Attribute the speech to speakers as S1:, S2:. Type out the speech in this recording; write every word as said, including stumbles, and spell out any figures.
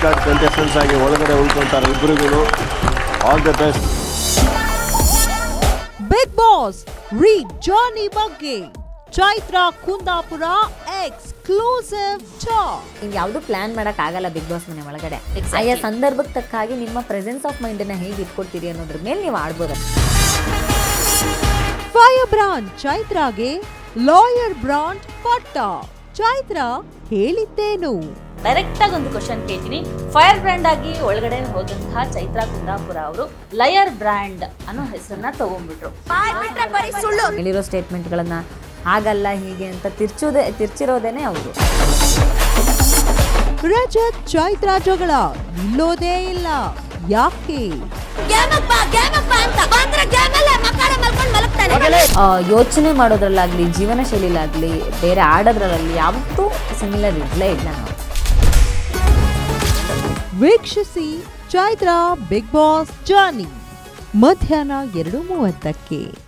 S1: Card contestants ಆಗಿ ಒಳಗಡೆ ಉಳ್ಕೊಂತಾರೆ ಇಬ್ಬರಿಗೂ. All the best.
S2: Bigg Boss ರೀಡ್ ಜಾನಿ ಬಗ್ಗೆ ಚೈತ್ರ ಕುಂದಾಪುರ ಎಕ್ಸ್ಕ್ಲೂಸಿವ್ ಟಾಕ್.
S3: ಯಾವುದು ಪ್ಲಾನ್ ಮಾಡಕ್ ಆಗಲ್ಲ ಬಿಗ್ ಬಾಸ್ ಮನೆ ಒಳಗಡೆ. ಆಯಾ ಸಂದರ್ಭಕ್ಕೆ ತಕ್ಕ ಹಾಗೆ ನಿಮ್ಮ ಪ್ರೆಸೆನ್ಸ್ ಆಫ್ ಮೈಂಡ್ ನ ಹೇಗೆ ಇಟ್ಕೊಳ್ತೀರಿ ಅನ್ನೋದ್ರ ಮೇಲೆ ನೀವು ಆಡ್ಬೋದು.
S2: ಫೈರ್ ಬ್ರಾಂಡ್ ಚೈತ್ರಾಗೆ ಲಾಯರ್ ಬ್ರಾಂಡ್ ಪಟ್ಟ. ಚೈತ್ರ ಹೇಳಿದ್ದೇನು?
S4: ಡೈರೆಕ್ಟ್ ಆಗಿ ಒಂದು ಕ್ವಶನ್ ಕೇಳ್ತೀನಿ. ಫೈರ್ ಬ್ರ್ಯಾಂಡ್ ಆಗಿ ಒಳಗಡೆ ಹೋದಂತಹ ಚೈತ್ರ ಕುಂದಾಪುರ ಅವರು ಲಯರ್ ಬ್ರ್ಯಾಂಡ್ ಅನ್ನೋ ಹೆಸರನ್ನ ತಗೊಂಡ್ಬಿಟ್ರು.
S3: ಹೇಳಿರೋ ಸ್ಟೇಟ್ಮೆಂಟ್ ಗಳನ್ನ ಹಾಗಲ್ಲ ಹೀಗೆ ಅಂತ ತಿರ್ಚೋದೇ ತಿರ್ಚಿರೋದೇನೆ ಅವರು.
S2: ರಜತ್ ಚೈತ್ರ ಜಗಳ ನಿಲ್ಲೋದೇ ಇಲ್ಲ, ಯಾಕೆ?
S3: ಯೋಚನೆ ಮಾಡೋದ್ರಲ್ಲಾಗ್ಲಿ, ಜೀವನ ಶೈಲಿಲಾಗ್ಲಿ, ಬೇರೆ ಆಡೋದ್ರಲ್ಲಿ ಯಾವತ್ತೂ ಸಿಮಿಲರ್ ಇರಲೇ ಇಲ್ಲ ನಾವು.
S2: ವೀಕ್ಷಿಸಿ ಚೈತ್ರ ಬಿಗ್ ಬಾಸ್ ಜಾನಿ ಮಧ್ಯಾಹ್ನ ಎರಡು ಮೂವತ್ತಕ್ಕೆ.